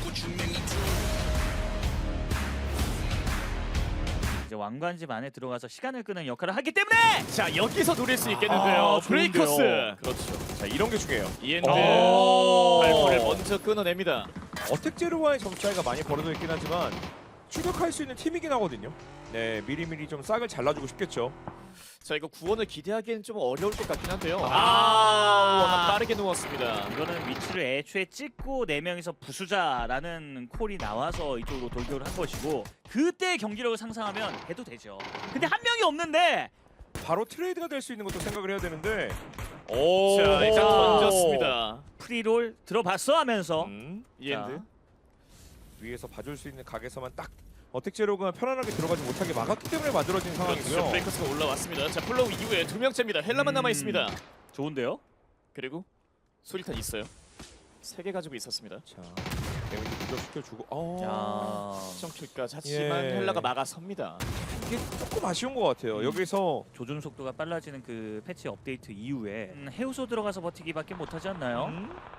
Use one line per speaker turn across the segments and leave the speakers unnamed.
이제 왕관집 안에 들어가서 시간을 끄는 역할을 하기 때문에
자 여기서 노릴 수 있겠는데요. 브레이커스.
그렇죠. 자 이런 게 중요해요.
이엔드
오.
발포를 먼저 끊어냅니다.
어택 제로와의 점수 차이가 많이 벌어져 있긴 하지만 추격할 수 있는 팀이긴 하거든요. 네, 미리미리 좀 싹을 잘라주고 싶겠죠.
자 이거 구원을 기대하기엔 좀 어려울 것 같긴 한데요.
아.
워낙 빠르게 누웠습니다.
이거는 위치를 애초에 찍고 4명이서 부수자라는 콜이 나와서 이쪽으로 돌격을 한 것이고 그때 경기력을 상상하면 해도 되죠. 근데 한 명이 없는데
바로 트레이드가 될 수 있는 것도 생각을 해야 되는데.
자 일단 던졌습니다.
프리롤 들어봤어 하면서
이엔드.
자.
위에서 봐줄 수 있는 각에서만 딱 어택 제로가 편안하게 들어가지 못하게 막았기 때문에 만들어진
그렇죠.
상황이고요.
브레이커스가 올라왔습니다. 자 플로우 이후에 2명째입니다. 헬라만 남아 있습니다.
좋은데요?
그리고 소리탄 있어요. 3개 가지고 있었습니다.
자, 데미지 누적시켜주고.
야.
시청킬까지 하지만
예.
헬라가 막아섭니다.
이게 조금 아쉬운 것 같아요. 여기서
조준 속도가 빨라지는 그 패치 업데이트 이후에 해우소 들어가서 버티기밖에 못하지 않나요?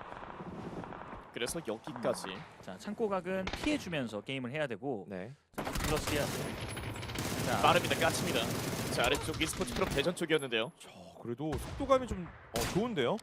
그래서 여기까지.
자 창고각은 피해주면서 게임을 해야 되고
네.
플러스야. 자
빠릅니다. 까칩니다. 자 아래쪽 e스포츠 클럽 대전 쪽이었는데요.
저 그래도 속도감이 좀 좋은데요.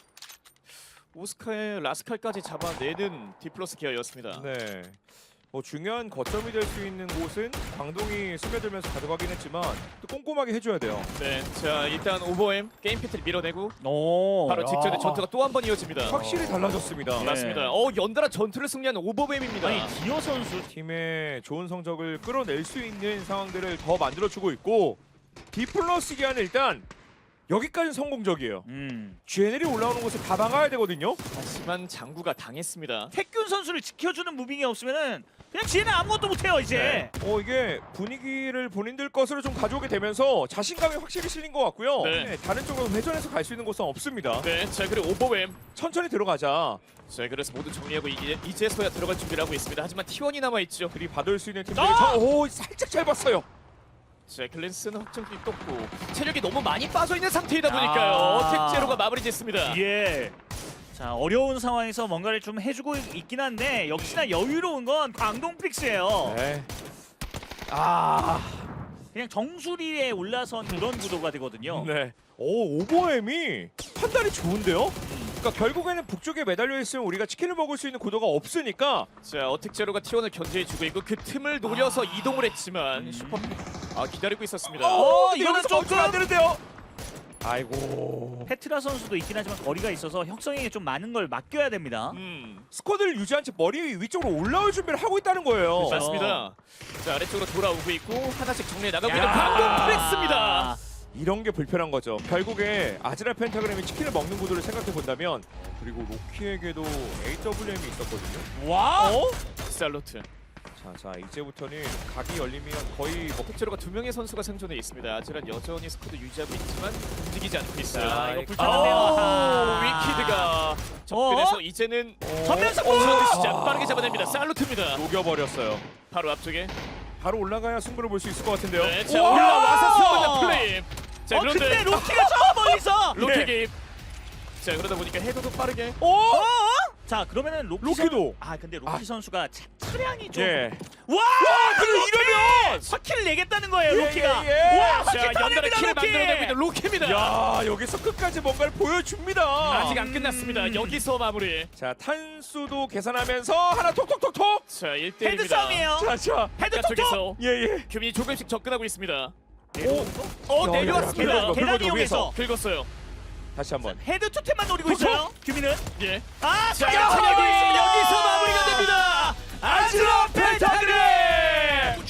오스카의 라스칼까지 잡아내는 디플러스 기어였습니다.
네. 중요한 거점이 될 수 있는 곳은 광동이 스며들면서 가져가긴 했지만 또 꼼꼼하게 해줘야 돼요.
네, 자 일단 오버엠 게임 피트를 밀어내고
오.
바로
야.
직전에 전투가 또 한 번 이어집니다.
확실히 달라졌습니다.
네.
맞습니다. 연달아 전투를 승리한 오버엠입니다.
아니 디어 선수
팀의 좋은 성적을 끌어낼 수 있는 상황들을 더 만들어주고 있고 디플러스 기아는 일단 여기까지는 성공적이에요. GNL이 올라오는 곳을 다 막아야 되거든요.
하지만 장구가 당했습니다.
태균 선수를 지켜주는 무빙이 없으면은 그냥 지혜는 아무것도 못해요 이제.
이게 분위기를 본인들 것으로 좀 가져오게 되면서 자신감이 확실히 실린 것 같고요.
네.
다른 쪽으로 회전해서 갈 수 있는 곳은 없습니다.
네, 자 그리고 오버엠.
천천히 들어가자.
자 그래서 모두 정리하고 이제서야 들어갈 준비를 하고 있습니다. 하지만 T1이 남아 있죠.
들이 받을 수 있는 팀들이
아!
살짝 잘 봤어요.
자 글랜스는 확정기 떴고 체력이 너무 많이 빠져 있는 상태이다 보니까요.
아.
어택 제로가 마무리 짓습니다.
예. 자 어려운 상황에서 뭔가를 좀 해주고 있긴 한데 역시나 여유로운 건 광동 픽스예요.
네.
그냥 정수리에 올라선 그런 구도가 되거든요.
네. 오버햄이 판단이 좋은데요? 그러니까 결국에는 북쪽에 매달려 있으면 우리가 치킨을 먹을 수 있는 구도가 없으니까
자 어택 제로가 T1을 견제해주고 있고 그 틈을 노려서 이동을 했지만 슈퍼 기다리고 있었습니다.
이거는 조금
안 되는데요. 아이고.
페트라 선수도 있긴 하지만 거리가 있어서 혁성에게 좀 많은 걸 맡겨야 됩니다.
스쿼드를 유지한 채 머리 위쪽으로 올라올 준비를 하고 있다는 거예요.
그렇죠.
맞습니다. 자 아래쪽으로 돌아오고 있고 하나씩 정리해 나가고 있는
야.
광동 프렉스입니다.
이런 게 불편한 거죠. 결국에 아즈라 펜타그램이 치킨을 먹는 구도를 생각해 본다면 그리고 로키에게도 AWM이 있었거든요.
와!
살로트.
자 이제부터는 각이 열리면 거의 뭐
택제로가 2명의 선수가 생존해 있습니다. 아즈란 여전히 스쿼드 유지하고 있지만 움직이지 않고 있어요.
자, 이거
아,
불편한데요. 아하.
위키드가 접근해서 이제는
전면에서
시작 빠르게 잡아냅니다. 살루트입니다.
녹여버렸어요.
바로 앞쪽에.
바로 올라가야 승부를 볼 수 있을 것 같은데요.
네, 자
우와!
올라와서 수업하는 플레임. 자
근데
그런데
로키가 저 멀리서.
로켓 개입. 자 그러다 보니까 헤더도 빠르게.
자 그러면은
로키도.
근데 로키 선수가 차량이 좀.
예.
와!
그리고 이러면
화키를 내겠다는 거예요
예,
로키가.
예, 예.
와!
자
화키
연달아
터집니다
킬을
로키.
만들어내고 있는 로키입니다.
야 여기서 끝까지 뭔가를 보여줍니다.
아직 안 끝났습니다. 여기서 마무리.
자 탄수도 계산하면서 하나 톡톡톡톡.
자 1대1입니다.
헤드 싸움이에요.
자.
헤드 톡톡.
쪽에서
예예.
규민이 조금씩 접근하고 있습니다.
오.
내려왔습니다.
긁어줘,
계단
긁어줘,
이용해서.
긁었어요.
다시 한번.
헤드 투탭만 노리고 있어요. 규민은.
예.
자,
자 여기서 마무리가 됩니다.
아즈라 펜타그램.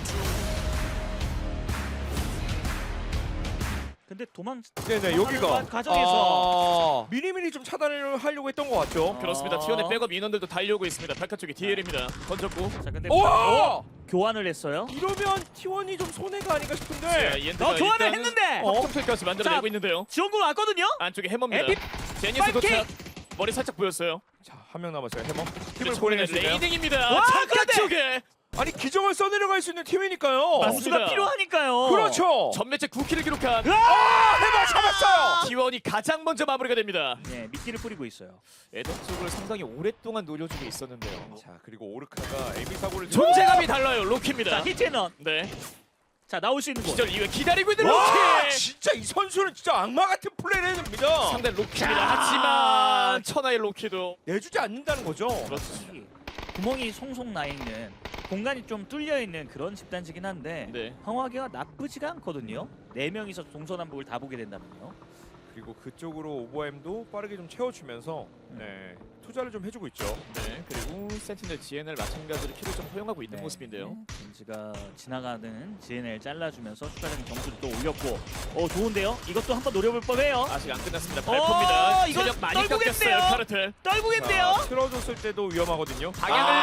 근데 도망.
네네 여기가
과정에서.
미리미리 좀 차단을 하려고 했던 것 같죠.
그렇습니다. T1의 백업 인원들도 달려오고 있습니다. 바깥쪽에 DL입니다. 던졌고.
자 근데
오!
교환을 했어요.
이러면 T1이 좀 손해가 아닌가
자,
싶은데.
이엔드가
교환을
일단은
했는데.
확정킬까지 만들어내고
자,
있는데요.
지원군 왔거든요.
안쪽에 해머입니다.
에픽
제니스 도착.
파이팅!
머리 살짝 보였어요.
자 한 명 남았어요. 해머. 팀을
그리고
보내낼 수 있나요?
레이닝입니다.
와,
바깥쪽에.
아니 기적을 써내려갈 수 있는 팀이니까요.
맞습니다.
부수가 필요하니까요.
그렇죠.
전매체 9킬을 기록한
해봐 잡았어요.
T1이 가장 먼저 마무리가 됩니다.
네, 미끼를 뿌리고 있어요.
에더 쪽을 상당히 오랫동안 노려주고 있었는데요.
자 그리고 오르카가 에미 사고를
존재감이 달라요. 로키입니다.
자, 히트앤런.
네.
자, 나올 수 있는 곳.
기절 이후에 기다리고 있는
와
로키.
진짜 이 선수는 진짜 악마 같은 플레이를 해냅니다.
상대 로키입니다.
자.
하지만 천하의 로키도
내주지 않는다는 거죠.
그렇지.
구멍이 송송 나 있는 공간이 좀 뚫려 있는 그런 집단지긴 한데
네.
황화기가 나쁘지가 않거든요. 4명이서 동서남북을 다 보게 된다면요.
그리고 그쪽으로 오버햄도 빠르게 좀 채워주면서 네, 투자를 좀 해주고 있죠.
네. 그리고 센티넬 GNL 마찬가지로 킬을 좀 허용하고 있는 모습인데요.
벤지가 지나가는 GNL 잘라주면서 추가적인 점수를 또 올렸고 좋은데요? 이것도 한번 노려볼 법해요.
아직 안 끝났습니다. 발표입니다.
이거
체력 많이
떨구겠네요.
깎였어요. 카르텔.
떨구겠네요.
자, 틀어줬을 때도 위험하거든요.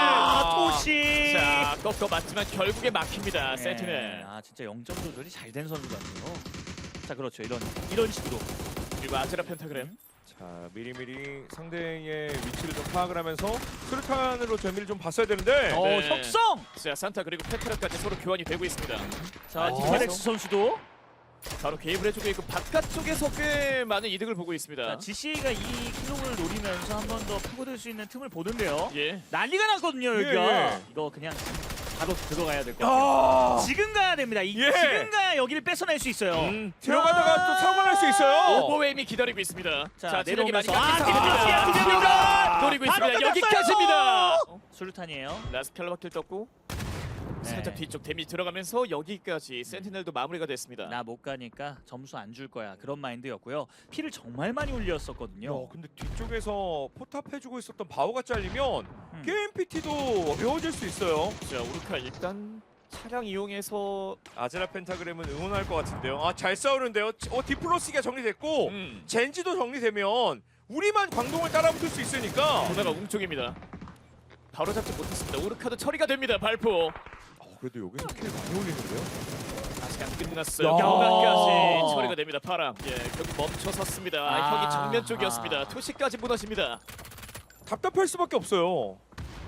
방향을
토시.
자, 꺾어 맞지만 결국에 막힙니다.
네.
센티넬.
아 진짜 0점 조절이 잘 된 선수 같네요. 자 그렇죠. 이런 식으로.
그리고 아제라 펜타그램.
자 미리미리 상대의 위치를 좀 파악을 하면서 수류탄으로 재미를 좀 봤어야 되는데
네.
혁성.
자, 산타 그리고 페트라까지 서로 교환이 되고 있습니다.
자 디파렉스 선수도.
바로 개입을 해주고 있고 바깥쪽에서 꽤 많은 이득을 보고 있습니다.
자 GC가 이 킬록을 노리면서 한 번 더 파고들 수 있는 틈을 보는데요.
예.
난리가 났거든요 여기가.
예.
이거 그냥 바로 들어가야 될 것 같아요.
아
지금 가야 됩니다.
예.
지금 가야 여기를 뺏어낼 수 있어요.
들어가다가 또 사고 날 수 있어요.
오버웨임이 기다리고 있습니다. 자, 체력이 많이
내려오면서
깎인
디플러스가
노리고
바로
있습니다.
끝났어요.
여기까지입니다.
수류탄이에요.
라스칼라바킬 떴고
네.
살짝 뒤쪽 데미지 들어가면서 여기까지 센티넬도 마무리가 됐습니다.
나 못 가니까 점수 안 줄 거야. 그런 마인드였고요. 피를 정말 많이 올렸었거든요.
근데 뒤쪽에서 포탑 해주고 있었던 바오가 잘리면
음.
게임 PT도 어려워질 수 있어요.
자, 우르카 일단 차량 이용해서
아제라 펜타그램은 응원할 것 같은데요. 아 잘 싸우는데요. 디플로스가 정리됐고 젠지도 정리되면 우리만 광동을 따라붙을 수 있으니까.
보다가 웅쪽입니다. 바로 잡지 못했습니다. 우르카도 처리가 됩니다. 발포.
그래도 여기서 킬 많이 올리는데요.
아직 안 끝났어요.
야.
경각까지 처리가 됩니다. 파랑. 예, 경기 멈춰섰습니다.
아.
형이 정면 쪽이었습니다. 투시까지 무너집니다.
답답할 수밖에 없어요.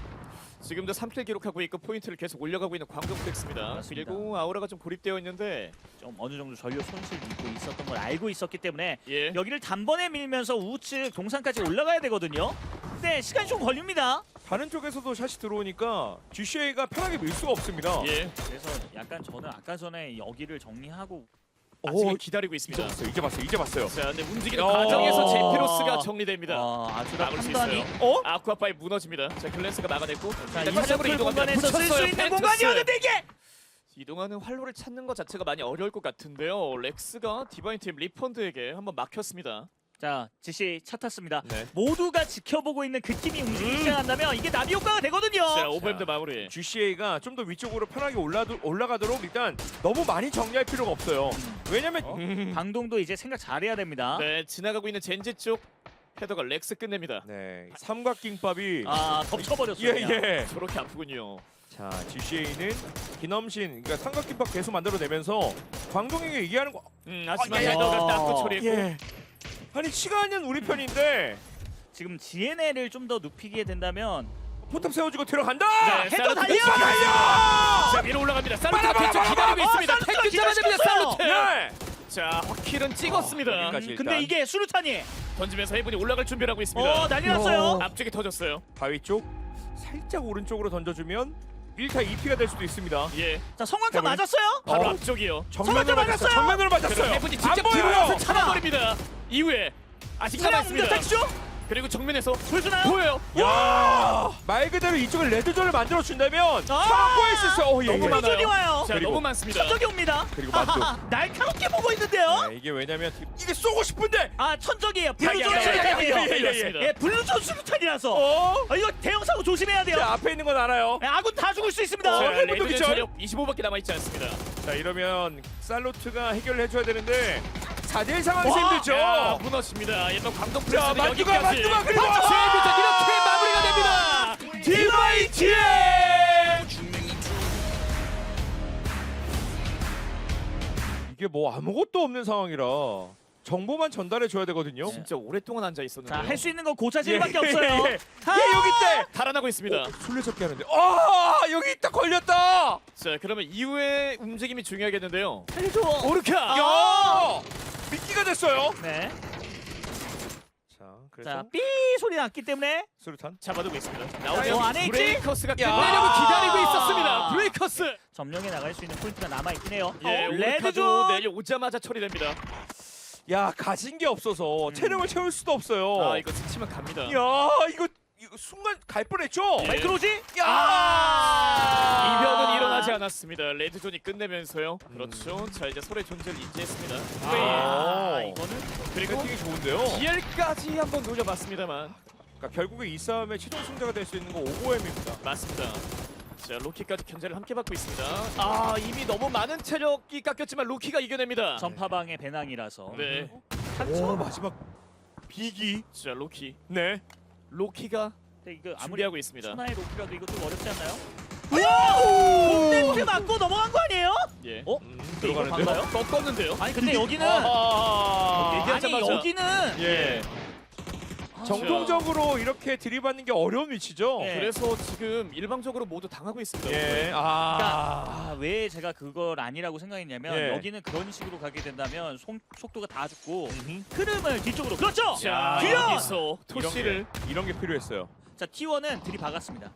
지금도 3킬 기록하고 있고 포인트를 계속 올려가고 있는 광동플렉스입니다.
맞습니다.
그리고 아우라가 좀 고립되어 있는데
좀 어느 정도 전력 손실도 있고 있었던 걸 알고 있었기 때문에
예.
여기를 단번에 밀면서 우측 동산까지 올라가야 되거든요. 근데 시간이 좀 걸립니다.
다른 쪽에서도 샷이 들어오니까 GCA가 편하게 밀 수가 없습니다.
예.
그래서 약간 저는 아까 전에 여기를 정리하고
아직은 기다리고 있습니다.
이제 봤어요.
자, 근데 움직이는
야.
과정에서 제피로스가 정리됩니다.
아주라
막을 수
판단이
있어요. 아쿠아파이 무너집니다. 자, 글랜스가 막아냈고
자,
일단
이사풀
화력으로 이동합니다.
공간에서 쓸 수
붙였어요.
있는
펜투스.
공간이었는데 이게
이동하는 활로를 찾는 것 자체가 많이 어려울 것 같은데요. 렉스가 디바인 팀 리펀드에게 한번 막혔습니다.
자 지시 차 탔습니다.
네.
모두가 지켜보고 있는 그 팀이 움직이기 시작한다면 이게 나비 효과가 되거든요.
자, 오버햄드 마무리.
GCA가 좀 더 위쪽으로 편하게 올라가도록 일단 너무 많이 정리할 필요가 없어요. 왜냐면
방동도 이제 생각 잘해야 됩니다.
네, 지나가고 있는 젠지 쪽 헤더가 렉스 끝냅니다.
네, 삼각김밥이
덮쳐버렸어요.
예.
저렇게 아프군요.
자, GCA는 기넘신 그러니까 삼각김밥 계속 만들어내면서 광동에게 얘기하는 거.
하지만
예.
헤더가 닦고 처리했고
예. 아니 시간은 우리 편인데
지금 GNL을 좀 더 눕히게 된다면
포탑 세워주고 들어간다.
네,
헤더 달려!
자, 위로 올라갑니다. 살루트
빨라,
뒤쪽
빨라,
기다리고
빨라.
있습니다.
살루트가
태클 잡아냅니다.
기절시켰어요.
살루트.
네.
자, 허킬은 찍었습니다.
여기까지. 일단.
근데 이게 수류탄이
던지면서 해븐이 올라갈 준비를 하고 있습니다.
난리 났어요.
앞쪽에 터졌어요.
바위 쪽 살짝 오른쪽으로 던져주면 1타 2피가 될 수도 있습니다.
예,
자 성광탄
해븐.
맞았어요?
바로
어.
앞쪽이요.
정면으로
맞았어요.
맞았어요. 정면으로
그리고
맞았어요.
해븐이
안
직접
보여요.
들어와서 잡아버립니다. 이후에 아직 남아
차량
있습니다.
택시죠?
그리고 정면에서
보여주나요?
보여요.
야, 말 그대로 이쪽을 레드존을 만들어 준다면 상황 수 있어요.
너무 많아요.
레드존이 와요.
자,
그리고
너무 많습니다.
천적이 옵니다.
그리고 만두.
날카롭게 보고 있는데요.
네, 이게 왜냐면 이게 쏘고 싶은데.
천적이에요. 블루존
야,
수류탄이에요.
예.
예, 블루존 수류탄이라서. 이거 대형 사고 조심해야 돼요.
자, 앞에 있는 건 알아요.
예, 아군 다 죽을 수 있습니다.
자,
해븐도
레드의
기절.
체력 25밖에 남아 있지 않습니다.
자, 이러면 살로트가 해결을 해줘야 되는데 4대1 상황에서
야,
힘들죠.
무너집니다. 옛날 광동
자,
플레이는
만두가
여기까지.
그리고
최비전 이렇게 마무리가 됩니다.
디바이티. 이게 뭐 아무것도 없는 상황이라 정보만 전달해 줘야 되거든요.
네.
진짜 오랫동안 앉아 있었는데.
자, 할 수 있는 건 고차질밖에 없어요.
예, 여기 있대.
달아나고 있습니다.
술래잡기 하는데. 아, 여기 있다. 걸렸다.
자, 그러면 이후의 움직임이 중요하겠는데요.
살려줘.
오르카.
야! 미끼가 됐어요.
네.
자, 그래서
자, 삐 소리 났기 때문에
수류탄.
잡아두고 있습니다.
어, 안에 있지?
브레이커스가
야.
끝내려고 기다리고 있었습니다. 브레이커스.
점령에 나갈 수 있는 포인트가 남아 있긴 해요.
예,
레드존.
오르카도 내려오자마자 처리됩니다.
야, 가진 게 없어서 체력을 채울 수도 없어요.
아, 이거 스치면 갑니다.
야, 이거 순간 갈 뻔했죠.
예.
마이크로지?
야!
이변은 일어나지 않았습니다. 레드존이 끝내면서요. 그렇죠. 자, 이제 서로의 존재를 인지했습니다.
아,
네.
이거는
그리고
배팅이 좋은데요.
DL까지 한번 노려봤습니다만
그러니까 결국에 이 싸움의 최종 승자가 될 수 있는 거 오고엠입니다.
맞습니다. 자, 로키까지 견제를 함께 받고 있습니다. 아, 이미 너무 많은 체력이 깎였지만 로키가 이겨냅니다.
전파방의 배낭이라서.
네.
오, 마지막 비기.
자, 로키.
네.
로키가
근데 이거 아무리
준비하고 있습니다.
천하의 로키라도 이거 좀 어렵지 않나요? 홈네트 맞고 넘어간 거 아니에요?
예.
어?
들어가는데요?
반가요?
꺾었는데요.
아니 근데 여기는
아,
아니
얘기하자마자.
여기는
예. 정통적으로 이렇게 들이받는 게 어려운 위치죠.
네.
그래서 지금 일방적으로 모두 당하고 있습니다.
예. 아.
왜 제가 그걸 아니라고 생각했냐면
예.
여기는 그런 식으로 가게 된다면 속도가 다 죽고
음흠.
흐름을 뒤쪽으로 그렇죠.
자,
귀여워!
여기서 토시를
이런 게 필요했어요.
자 T1은 들이박았습니다.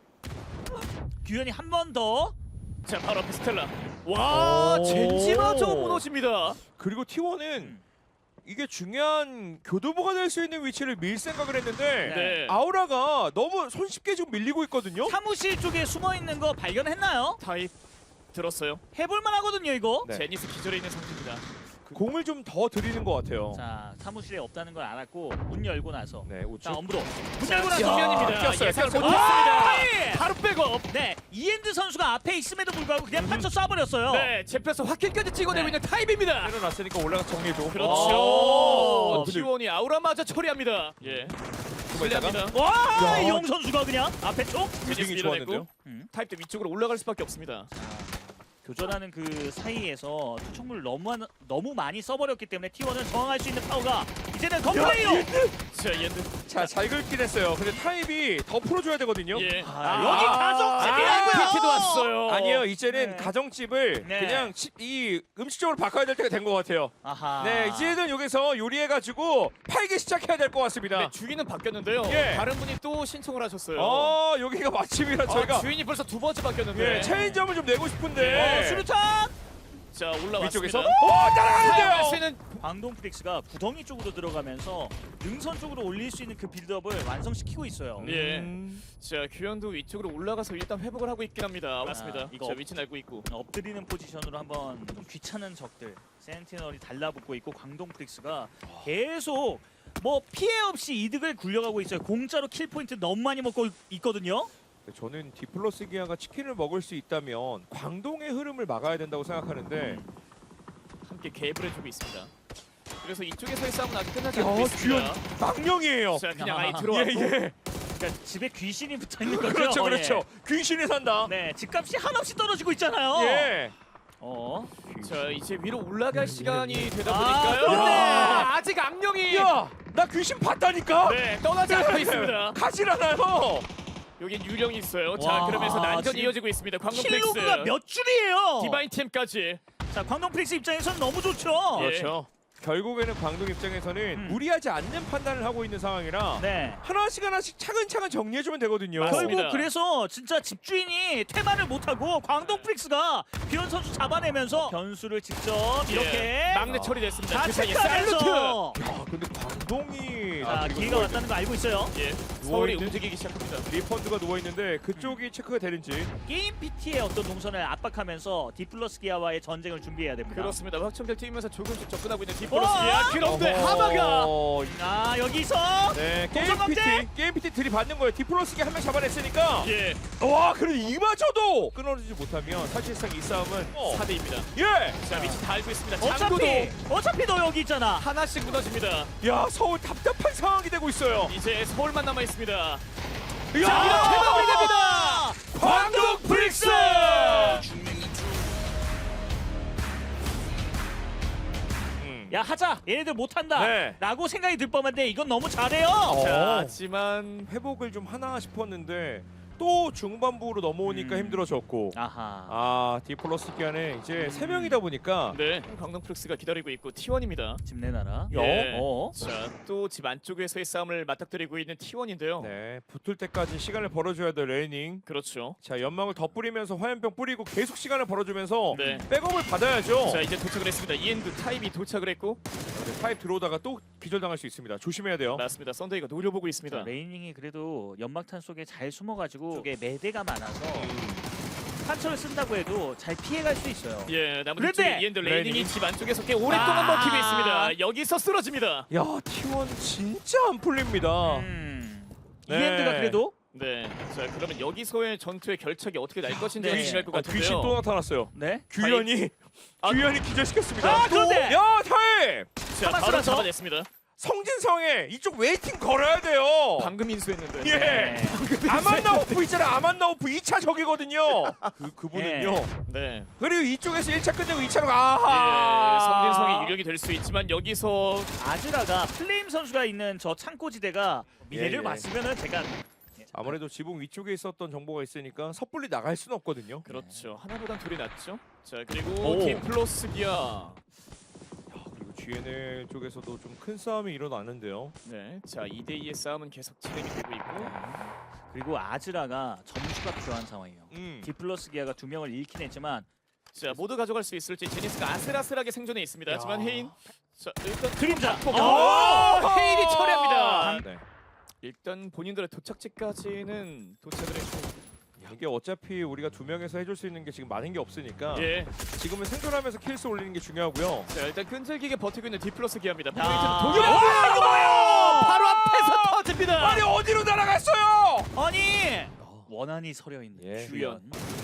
규현이 한 번 더.
자, 바로 앞에 스텔라. 와,
오.
젠지마저 무너집니다.
그리고 T1은 이게 중요한 교두보가 될 수 있는 위치를 밀 생각을 했는데
네.
아우라가 너무 손쉽게 지금 밀리고 있거든요.
사무실 쪽에 숨어 있는 거 발견했나요?
타입 들었어요.
해볼만 하거든요 이거.
네.
제니스 기절해 있는 상태입니다.
공을 좀 더 들이는 것 같아요.
자 사무실에 없다는 걸 알았고 문 열고 나서
네,
자
우측.
엄브로 문
자,
열고 나서
정면입니다.
꼈어요,
예상
꼈어요.
못했습니다.
예!
바로 백업.
네 이엔드 선수가 앞에 있음에도 불구하고 그냥 판쳐 쏴버렸어요.
네, 제펴서 확킬까지 찍어내고
네.
있는 타입입니다.
내려놨으니까 올라가 정리해줘.
그렇죠.
근데
T1이 아우라마저 처리합니다. 예. 실례합니다.
와
야.
이용 선수가 그냥 앞에 쪽
무빙이 좋았는데요.
타입도 위쪽으로 올라갈 수밖에 없습니다.
교전하는 그 사이에서 투척물 너무 많이 써버렸기 때문에 T1은 저항할 수 있는 파워가 이제는 컴플레이어.
자, 옌드.
자, 잘 긁긴 했어요. 근데 타입이 더 풀어줘야 되거든요.
예.
여기 가족집이라고요.
PT도 왔어요.
아니에요, 이제는
네.
가정집을
네.
그냥 이 음식점으로 바꿔야 될 때가 된 것 같아요.
아하.
네, 이제는 여기서 요리해가지고 팔기 시작해야 될 것 같습니다.
네, 주인은 바뀌었는데요.
예.
다른 분이 또 신청을 하셨어요.
여기가 마침이라 저희가
주인이 벌써 두 번째 바뀌었는데.
예, 체인점을 좀 내고 싶은데.
수류탄.
자, 올라왔습니다.
위쪽에서
사용할 수
따라가는데요.
있는
광동 프릭스가 구덩이 쪽으로 들어가면서 능선 쪽으로 올릴 수 있는 그 빌드업을 완성시키고 있어요.
예. 자, 규현도 위쪽으로 올라가서 일단 회복을 하고 있긴 합니다. 맞습니다.
이거
자, 위치는 알고 있고.
엎드리는 포지션으로 한번 좀 귀찮은 적들 센티널이 달라붙고 있고 광동 프릭스가 계속 뭐 피해 없이 이득을 굴려가고 있어요. 공짜로 킬 포인트 너무 많이 먹고 있거든요.
저는 디플러스 기아가 치킨을 먹을 수 있다면 광동의 흐름을 막아야 된다고 생각하는데
함께 갭을 해주고 있습니다. 그래서 이쪽에서의 싸움은 아직 끝나지 않고 있습니다.
망령이에요.
자, 그냥 아예
아.
들어왔고.
예.
그러니까 집에 귀신이 붙어 있는 거죠.
그렇죠,
예.
그렇죠. 귀신이 산다.
네, 집값이 한없이 떨어지고 있잖아요.
예.
자, 이제 위로 올라갈 시간이 되다
아,
보니까요.
그렇네.
아직 악령이
야, 나 귀신 봤다니까.
네, 떠나지 않고 있습니다.
가질 않아요.
여긴 유령이 있어요. 자,
와,
그러면서 난전이
지금
이어지고 있습니다. 광동
킬로그가
플렉스.
몇 줄이에요.
디바인 팀까지.
자, 광동 프릭스 입장에서는 너무 좋죠.
예.
그렇죠. 결국에는 광동 입장에서는 무리하지 않는 판단을 하고 있는 상황이라
네.
하나씩 차근차근 정리해주면 되거든요.
맞습니다.
결국 그래서 진짜 집주인이 퇴마를 못하고 광동 프릭스가 비현 선수 잡아내면서 변수를 직접 이렇게
예. 막내 처리됐습니다.
다
그 사이에 살루트.
체크하면서
야, 근데 광동이
자,
그리고
기회가 왔다는 거 알고 있어요.
예. 서울이
누워있는-
움직이기 시작합니다.
리펀드가 누워 있는데 그쪽이 체크가 되는지.
게임 PT의 어떤 동선을 압박하면서 디플러스 기아와의 전쟁을 준비해야 됩니다.
그렇습니다. 확정될 팀이면서 조금씩 접근하고 있는
어?
디플러스기아. 그런데 하마가
아, 여기서
네, 게임
동선
PT 게임 PT 들이받는 거예요. 디플러스기 한 명 잡아냈으니까.
예.
와, 그래 이마저도 끊어지지 못하면 사실상 이 싸움은
4대2입니다.
예.
자, 위치 다 알고 있습니다. 장구도
어차피 너 여기 있잖아.
하나씩 무너집니다.
야, 서울 답답한 상황이 되고 있어요.
이제 서울만 남아 있습니다.
야,
이렇게 마무리됩니다.
광동 프릭스!
야 하자 얘네들 못한다
네.
라고 생각이 들 법한데 이건 너무 잘해요.
자, 하지만
회복을 좀 하나 싶었는데 또 중반부로 넘어오니까 힘들어졌고
아하
디플러스 기간에 이제 3명이다 보니까
네, 광동 프렉스가 기다리고 있고 T1입니다.
집 내놔라.
예.
어?
자, 또 집 안쪽에서의 싸움을 맞닥뜨리고 있는 T1인데요.
네, 붙을 때까지 시간을 벌어줘야 돼 레이닝.
그렇죠.
자, 연막을 더 뿌리면서 화염병 뿌리고 계속 시간을 벌어주면서
네.
백업을 받아야죠.
자, 이제 도착을 했습니다. 이엔드 타입이 도착을 했고
네, 타입 들어오다가 또 기절당할 수 있습니다. 조심해야 돼요.
맞습니다. 썬데이가 노려보고 있습니다.
자, 레이닝이 그래도 연막탄 속에 잘 숨어가지고 쪽에 매대가 많아서 판처를 쓴다고 해도 잘 피해갈 수 있어요.
예, 나머지
그런데
쪽에 이엔드 레이닝이
레이닝이
집 안쪽에서 꽤 오랫동안 먹히고 있습니다. 여기서 쓰러집니다.
야, T1 진짜 안 풀립니다. 네.
이엔드가 그래도
네, 자 그러면 여기서의 전투의 결착이 어떻게 날 것인지
네.
중요할 것
귀신
같은데요.
또 나타났어요.
네.
규현이
아,
규현이 기절시켰습니다.
아, 그런데!
야, 타입!
자, 바로
하마스라서?
잡아냈습니다.
성진성에 이쪽 웨이팅 걸어야 돼요.
방금 인수했는데.
예.
네.
아만나오프 있잖아. 아만나오프 2차 적이거든요. 그분은요.
네.
그리고 이쪽에서 1차 끝내고 2차로
예,
아하.
성진성이 유력이 될 수 있지만 여기서
아즈라가 플레임 선수가 있는 저 창고지대가 미래를
예.
봤으면은 제가
아무래도 지붕 위쪽에 있었던 정보가 있으니까 섣불리 나갈 수는 없거든요.
그렇죠. 하나보단 둘이 낫죠. 자 그리고
오.
디플러스 기아.
그리고 GNL 쪽에서도 좀 큰 싸움이 일어나는데요.
네. 자 2대2의 싸움은 계속 진행이 되고 있고.
그리고 아즈라가 점수가 필요한 상황이에요. 디플러스 기아가 2명을 잃긴 했지만
자 모두 가져갈 수 있을지 제니스가 아슬아슬하게 생존해 있습니다.
야.
하지만 헤인. 자 일단
그림자.
헤인이 처리합니다.
네.
일단 본인들의 도착지까지는 도착을 했고.
이게 어차피 우리가 2명에서 해줄 수 있는 게 지금 많은 게 없으니까
예.
지금은 생존하면서 킬수 올리는 게 중요하고요.
자 일단 끈질기게 버티고 있는 디플러스 기아입니다.
야.
포인트는 독일 바로 앞에서 터집니다.
아니 어디로 날아갔어요?
아니 원한이 서려 있는
예.
주연.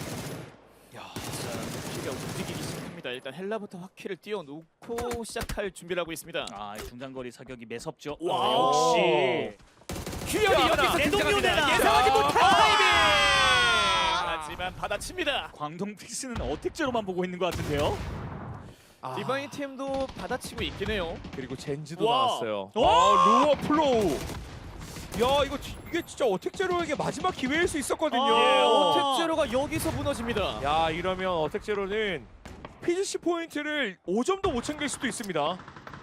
자, 키가 움직이기 시작합니다. 일단 헬라부터 화키를 띄워놓고 시작할 준비를 하고 있습니다.
아, 이 중장거리 사격이 매섭죠.
와.
아, 역시
큐현이 여기서
내 동료 내놔.
등장합니다. 예상하지 못한
아.
타이밍! 하지만 받아칩니다.
광동 픽스는 어택제로만 보고 있는 것 같은데요.
디바인 팀도 받아치고 있긴 해요.
그리고 젠지도
와.
나왔어요.
와.
루어 플로우. 야 이게 진짜 어택제로에게 마지막 기회일 수 있었거든요.
예,
아.
어택제로가 여기서 무너집니다.
야 이러면 어택제로는 PGC 포인트를 5점도 못 챙길 수도 있습니다.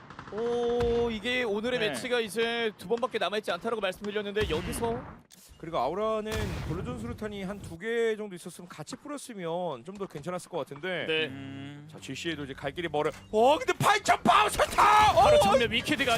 오, 이게 오늘의
네.
매치가 이제 2번밖에 남아있지 않다라고 말씀드렸는데 여기서
그리고 아우라는 블루존 수류탄이 한 2개 정도 있었으면 같이 뿌렸으면 좀 더 괜찮았을 것 같은데.
네.
자 GC에도 이제 갈 길이 멀어. 근데 8점 파우셔타!
바로 정면 위키드가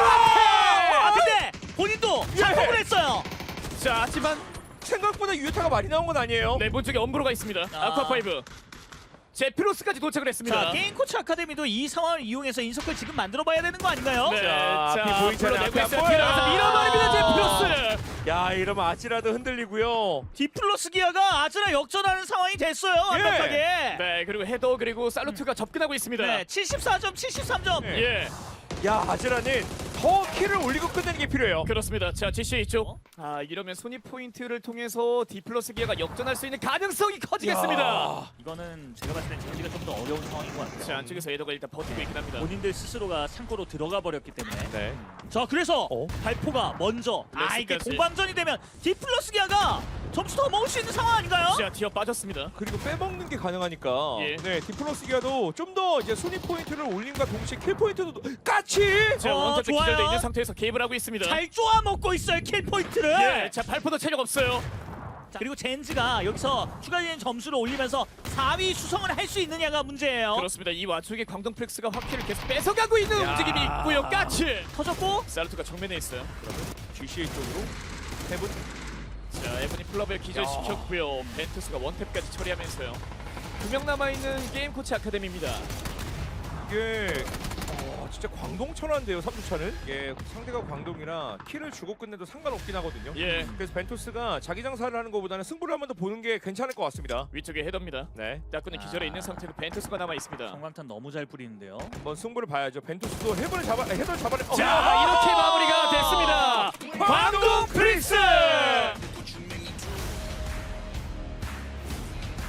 아, 근데 본인도
예.
작품을 했어요.
자, 하지만
생각보다 유효타가 많이 나온 건 아니에요.
네, 본 쪽에 엄브로가 있습니다.
아.
아쿠아5 제피로스까지 도착을 했습니다.
자, 게임 코치 아카데미도 이 상황을 이용해서 인서클 지금 만들어봐야 되는 거 아닌가요?
네,
자,
자,
앞이 보이지 않아요.
불러내고
앞이
있어요.
안 보여요.
뒤에서 밀어버립니다. 제피로스.
야 이러면 아지라도 흔들리고요.
디플러스 기아가 아즈라 역전하는 상황이 됐어요. 완벽하게.
네, 그리고 헤더 그리고 살루트가 접근하고 있습니다.
네, 74점, 73점.
네.
예,
야 아지라는 더 킬을 올리고 끝내는 게 필요해요.
그렇습니다. 자, GC 이쪽. 아, 이러면 순위 포인트를 통해서 디플러스 기아가 역전할 수 있는 가능성이 커지겠습니다.
야.
이거는 제가 봤을 땐 젠지가 좀 더 어려운 상황인 것 같아요.
자, 안쪽에서 헤더가 일단 버티고 있긴 합니다.
본인들 스스로가 창고로 들어가 버렸기 때문에.
네.
자, 그래서
어?
발포가 먼저. 이게
레스까지.
공방전이 되면 디플러스 기아가 점수 더 먹을 수 있는 상황 아닌가요?
자, 뒤어 빠졌습니다.
그리고 빼먹는 게 가능하니까.
예.
네 디플러스 기아도 좀 더 이제 순위 포인트를 올림과 동시에 킬 포인트도 까치.
자, 원터치
좋아요.
기절돼 있는 상태에서 개입을 하고 있습니다.
잘 쪼아 먹고 있어요, 킬 포인트를.
예, 자, 발포도 체력 없어요.
자, 그리고 젠지가 여기서 추가적인 점수를 올리면서 4위 수성을 할 수 있느냐가 문제예요.
그렇습니다. 이 와중에 광동 프렉스가 화키를 계속 뺏어가고 있는
야.
움직임이 있고요. 까치.
터졌고
살루트가 정면에 있어요.
GCA 쪽으로 해븐.
자, 에브니 플러벨 기절시켰고요. 벤투스가 원탭까지 처리하면서요. 2명 남아있는 게임 코치 아카데미입니다.
이게 진짜 광동천한데요 3주차는. 예, 상대가 광동이라 킬을 주고 끝내도 상관없긴 하거든요.
예,
그래서 벤토스가 자기 장사를 하는 것보다는 승부를 한 번 더 보는 게 괜찮을 것 같습니다.
위쪽에 헤더입니다.
네,
따꾸는 기절에 있는 상태로 벤투스가 남아있습니다.
성광탄 너무 잘 뿌리는데요.
한번 승부를 봐야죠. 벤토스도 헤드를 잡아내.
자, 이렇게 마무리가 됐습니다. 광동 프릭스!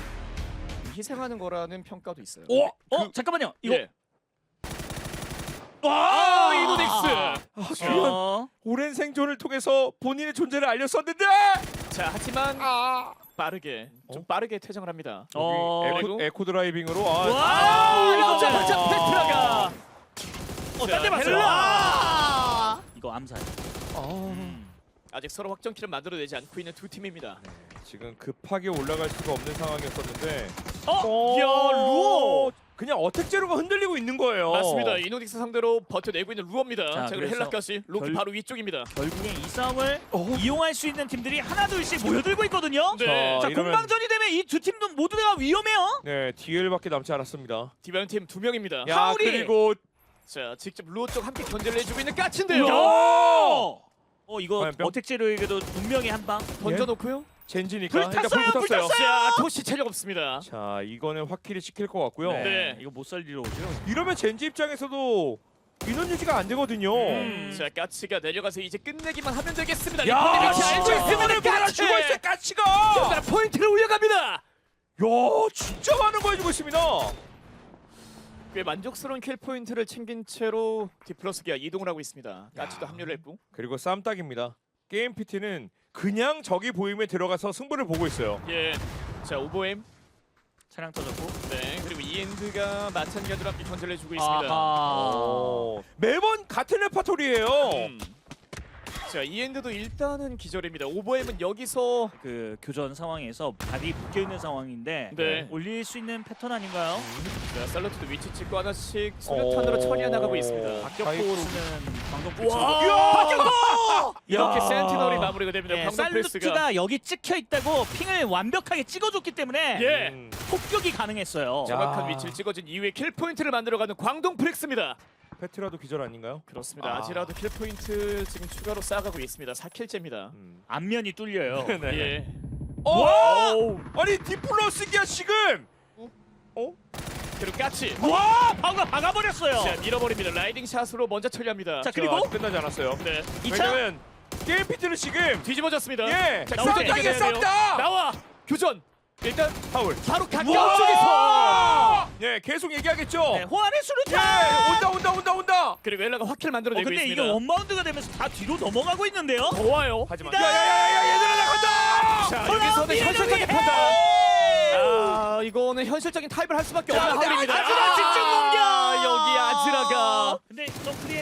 희생하는 거라는 평가도 있어요.
오,
잠깐만요. 이거
예. 이노닉스.
과연 오랜 생존을 통해서 본인의 존재를 알렸었는데
자, 하지만 빠르게 좀 빠르게 퇴장을 합니다. 그리고
에코 드라이빙으로
와, 이거
여자마자 페트라가
딴데 봤어요.
헬라!
이거 암살.
아직 서로 확정키를 만들어내지 않고 있는 두 팀입니다.
지금 급하게 올라갈 수가 없는 상황이었었는데
야, 루어!
그냥 어택제로가 흔들리고 있는 거예요.
맞습니다. 이노닉스 상대로 버텨내고 있는 루어입니다.
자,
자, 그리고
그래서
헬라까지 로키
결-
바로 위쪽입니다.
결국엔 이 싸움을 이용할 수 있는 팀들이 하나 둘씩 모여들고 있거든요.
네.
자,
이러면-
공방전이 되면 이 두 팀도 모두 다 위험해요.
네, DL밖에 남지 않았습니다.
디바이온 팀 2명입니다.
야,
하울이!
그리고
자, 직접 루어 쪽 함께 견제를 해주고 있는 까치인데요.
이거
화염병?
어택제로에게도 분명히 한 방.
던져놓고요.
젠지니까
불 탔어요,
일단 불
불
붙었어요.
탔어요!
자, 토시 체력 없습니다.
자, 이거는 확실히 시킬 것 같고요.
네.
이거 못 살리러 오죠.
이러면 젠지 입장에서도 인원 유지가 안 되거든요.
자, 까치가 내려가서 이제 끝내기만 하면 되겠습니다.
야,
리포트 위치
진짜
알고 있습니다.
이번에 보라
까치!
죽어 있어 까치가.
연달아 포인트를 올려갑니다.
야, 진짜 많은 거 해주고 있습니다.
꽤 만족스러운 킬 포인트를 챙긴 채로 디플러스기가 이동을 하고 있습니다. 까치도 합류를 했고.
그리고 쌈딱입니다. 게임 PT는 그냥 적이 보이면 들어가서 승부를 보고 있어요.
예. 자, 오버엠.
차량 터졌고.
네. 그리고 이엔드가 마찬가지로 함께 견제를 해주고 있습니다.
아하.
매번 같은 레파토리예요.
자, 이엔드도 일단은 기절입니다. 오버엠은 여기서
그 교전 상황에서 발이 묶여 있는 상황인데
네.
올릴 수 있는 패턴 아닌가요?
자, 살로트도 위치 찍고 하나씩 수류탄으로 처리해 나가고 있습니다.
박격포 쓰는 광동
와! 박격포! 이렇게
야.
센티널이 마무리가 됩니다.
네,
광동 프레스가.
살루트가 여기 찍혀 있다고 핑을 완벽하게 찍어줬기 때문에
예.
폭격이 가능했어요.
정확한
야.
위치를 찍어준 이후에 킬 포인트를 만들어가는 광동 프렉스입니다.
페트라도 기절 아닌가요?
그렇습니다. 아지라도 킬 포인트 지금 추가로 쌓아가고 있습니다. 4킬째입니다.
앞면이 뚫려요.
네.
예.
와! 아니 디플러스기야 지금.
그리고 까치.
와, 박아버렸어요.
자, 밀어버립니다. 라이딩 샷으로 먼저 처리합니다.
자, 그리고
아직 끝나지 않았어요.
네.
2차
왜냐면 게임 PT는 지금
뒤집어졌습니다.
예,
자,
나오죠.
교전
쌈딱이야
이겨내야 돼요.
쌈딱.
나와. 교전. 일단
파울.
바로 가까운
와!
쪽에서.
예, 계속 얘기하겠죠.
네, 호환의
예,
수류탄.
온다.
그리고 엘라가 확킬을 만들어내고
근데
있습니다.
이게 원바운드가 되면서 다 뒤로 넘어가고 있는데요.
더 와요.
하지만
이다!
야야야야 얘들아 나간다.
자, 여기서는 현실적인 판단. 아, 이거는 현실적인 타입을 할 수밖에 없는 하울입니다.
아즈라 집중 공격!
여기 아즈라가.
근데 점프리의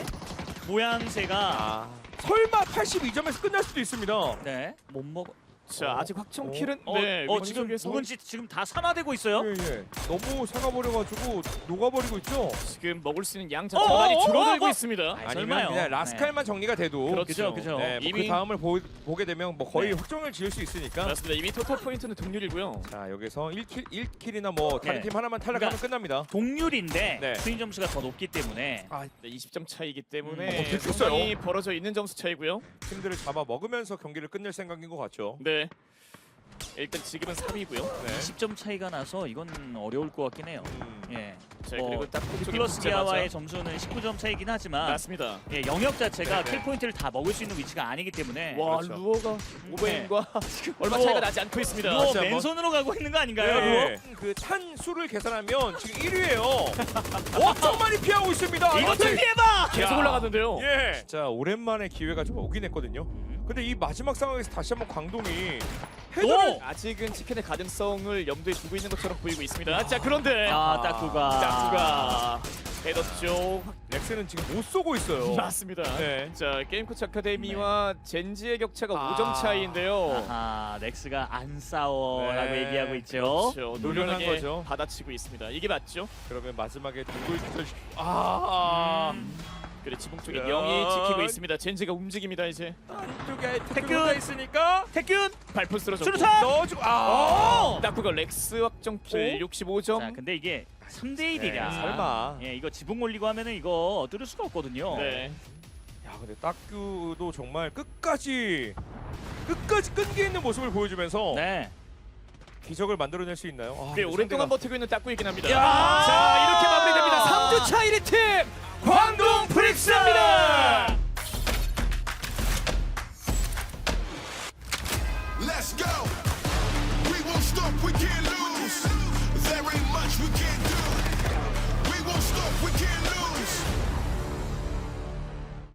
모양새가
설마 82점에서 끝날 수도 있습니다.
네, 못 먹어.
자, 아직 확정 킬은
지금
왼쪽에서
누군지 지금 다 산화되고 있어요.
예. 너무 사가버려가지고 녹아버리고 있죠.
지금 먹을 수 있는 양 자체가 많이 줄어들고 있습니다.
아니면
설마요.
그냥 라스칼만 정리가 돼도
그렇죠.
그죠.
네, 뭐
이미-
그 다음을 보게 되면 뭐 거의
네.
확정을 지을 수 있으니까.
맞습니다. 이미 토탈 포인트는 동률이고요.
자 여기서 1킬이나 뭐 다른
네.
팀 하나만 탈락하면
그러니까
끝납니다.
동률인데
네.
스윙 점수가 더 높기 때문에
네, 20점 차이기 때문에
됐어요.
상당히 벌어져 있는 점수 차이고요.
팀들을 잡아 먹으면서 경기를 끝낼 생각인 것 같죠.
네. 일단 지금은 3위고요.
네.
20점 차이가 나서 이건 어려울 것 같긴 해요. 예.
자,
뭐,
그리고 딱 그쪽에
플러스 기아와의
붙자마자-
점수는 19점 차이긴 하지만
맞습니다.
예, 영역 자체가
네.
킬 포인트를 다 먹을 수 있는 위치가 아니기 때문에
와,
그렇죠.
루어가 오버햄과 얼마
루어.
차이가 나지 않고 있습니다.
루어
진짜
맨손으로 가고 있는 거 아닌가요? 루어?
네. 그찬 수를 계산하면 지금 1위예요. 엄청 많이 피하고 있습니다.
이것 좀 피해봐!
계속
야.
올라갔는데요.
예. 자 오랜만에 기회가 좀 오긴 했거든요. 근데 이 마지막 상황에서 다시 한번 광동이 헤드를
아직은 치킨의 가능성을 염두에 두고 있는 것처럼 보이고 있습니다. 자, 그런데
딱구가
짝수가 헤더 쪽
렉스는 지금 못 쏘고 있어요.
맞습니다.
네.
자, 게임 코치 아카데미와 젠지의 격차가 5점 차이인데요.
아하, 넥스가 안 싸워라고
네.
얘기하고 있죠.
그렇죠.
노련한
노련하게
거죠.
받아치고 있습니다. 이게 맞죠?
그러면 마지막에 누굴 기절시키?
그리고 지붕 쪽에
야.
영이 지키고 있습니다. 젠지가 움직입니다 이제.
안쪽에
태균!
태균가 있으니까
태균!
발포 쓰러졌고.
수류탄!
넣어주고
딱구가 렉스 확정킬 65점.
자, 근데 이게 3대 1이랴.
네, 설마.
예, 이거 지붕 올리고 하면은 이거 뚫을 수가 없거든요.
네.
야 근데 딱규도 정말 끝까지 끈기 있는 모습을 보여주면서
네.
기적을 만들어낼 수 있나요?
꽤
근데
오랫동안
상대가-
버티고 있는 딱구이긴 합니다.
야!
자, 이렇게 마무리됩니다. 3주 차 1위 팀 광동 프릭스입니다.